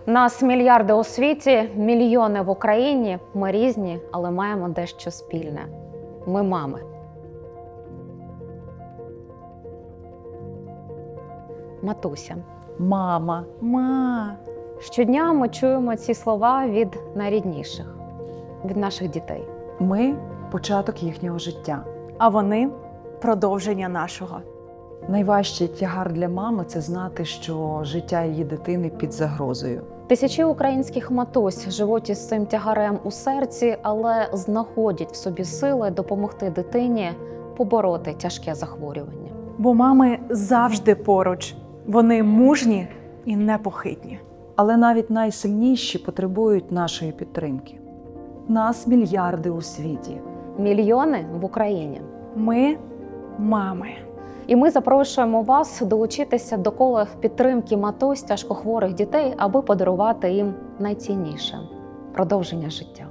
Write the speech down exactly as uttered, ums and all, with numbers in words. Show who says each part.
Speaker 1: Нас мільярди у світі, мільйони в Україні. Ми різні, але маємо дещо спільне. Ми мами. Матуся.
Speaker 2: Мама. Ма.
Speaker 1: Щодня ми чуємо ці слова від найрідніших, від наших дітей.
Speaker 2: Ми – початок їхнього життя.
Speaker 3: А вони – продовження нашого.
Speaker 2: Найважчий тягар для мами – це знати, що життя її дитини під загрозою.
Speaker 1: Тисячі українських матусь живуть із цим тягарем у серці, але знаходять в собі сили допомогти дитині побороти тяжке захворювання.
Speaker 3: Бо мами завжди поруч. Вони мужні і непохитні.
Speaker 2: Але навіть найсильніші потребують нашої підтримки. Нас мільярди у світі.
Speaker 1: Мільйони в Україні.
Speaker 3: Ми – мами.
Speaker 1: І ми запрошуємо вас долучитися до кола підтримки матусь тяжкохворих дітей, аби подарувати їм найцінніше – продовження життя.